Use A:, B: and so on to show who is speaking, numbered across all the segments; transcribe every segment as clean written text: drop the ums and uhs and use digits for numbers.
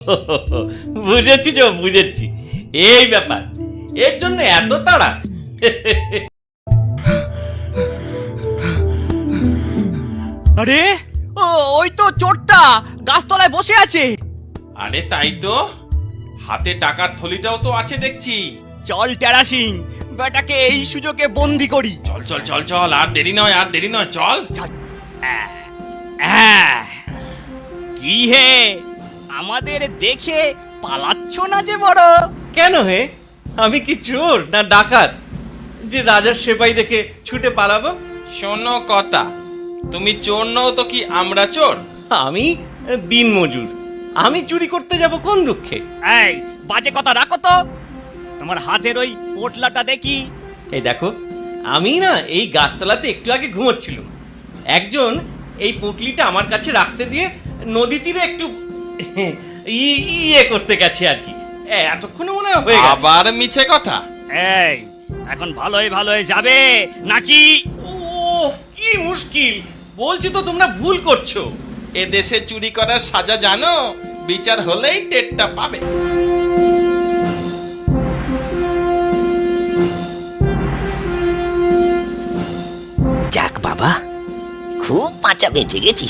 A: বুঝেছি বুঝেছি, এই ব্যাপার, এর জন্য এত তাড়া।
B: আরে ওই তো চোরটা গাছতলায় বসে আছে।
C: আরে তাই তো, হাতে টাকার থলিটাও তো আছে দেখছি।
B: চল টেরা সিং, বেটাকে এই সুযোগে বন্দি করি।
C: চল চল চল চল, আর দেরি নয় আর দেরি নয়, চল।
B: কি হে, আমাদের দেখে পালাচ্ছ না যে বড়?
A: কেন হে, আমি কি চোর না ডাকাত যে রাজার সেপাই দেখে ছুটে পালাবো?
C: শোনো কথা, তুমি চোর নও তো কি আমরা চোর?
A: আমি দিন মজুর, আমি চুরি করতে যাব কোন দুঃখে?
B: এই বাজে কথা রাখো তো, তোমার হাতের ওই পোটলাটা দেখি।
A: এই দেখো, আমি না এই গাছতলাতে একটু আগে ঘুমোচ্ছিলাম, একজন এই পুটলিটা আমার কাছে রাখতে দিয়ে নদী তীরে একটু ইয়ে করতে গেছে আর কি, এতক্ষণে মনে হয় হয়ে গেছে।
C: আবার মিছে কথা।
B: এই এখন ভালোই ভালোই যাবে নাকি?
A: ও কি মুশকিল, বলছি তো তোমরা ভুল করছো।
C: এদেশে চুরি করার সাজা জানো, বিচার হলেই টেরটা পাবে।
D: যাক বাবা, খুব বাঁচা বেঁচে গেছি।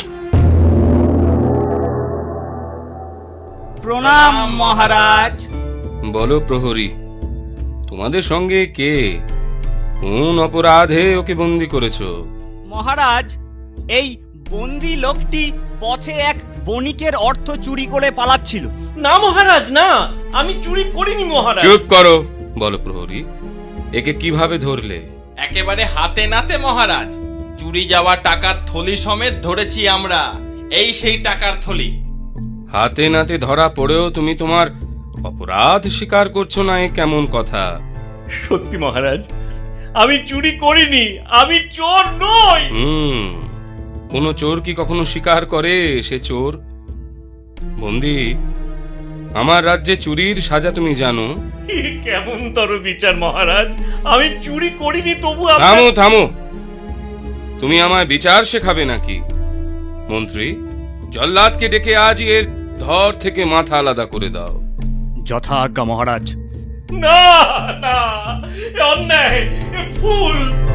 B: প্রণাম মহারাজ।
E: বলো প্রহরী, তোমাদের সঙ্গে কে, কোন অপরাধে ওকে বন্দি করেছো?
B: মহারাজ, এই বন্দি লোকটি পথে এক বণিকের অর্থ চুরি করে পালাচ্ছিল।
A: না মহারাজ না, আমি চুরি করিনি মহারাজ।
E: চুপ করো। বলো প্রহরী, একে কিভাবে ধরলে?
C: একেবারে হাতে নাতে মহারাজ, চুরি যাওয়া টাকার থলি সমেত ধরেছি আমরা। এই সেই টাকার থলি।
E: হাতে নাতে ধরা পড়েও তুমি তোমার অপরাধ স্বীকার করছো না, এ কেমন কথা?
A: সত্যি মহারাজ, আমি চুরি করিনি, আমি চোর নই।
E: কোন চোর কি কখনো স্বীকার করে সে চোর? বন্দি, আমার রাজ্যে চুরির সাজা তুমি জানো?
A: কেমন তর বিচার মহারাজ, আমি চুরি করিনি তবু
E: থামো থামো, তুমি আমায় বিচার শেখাবে নাকি? মন্ত্রী, জল্লাদকে ডেকে আজই এর ধর থেকে মাথা আলাদা করে দাও।
B: যথা আজ্ঞা মহারাজ।
A: না না, অন্যায়, ভুল।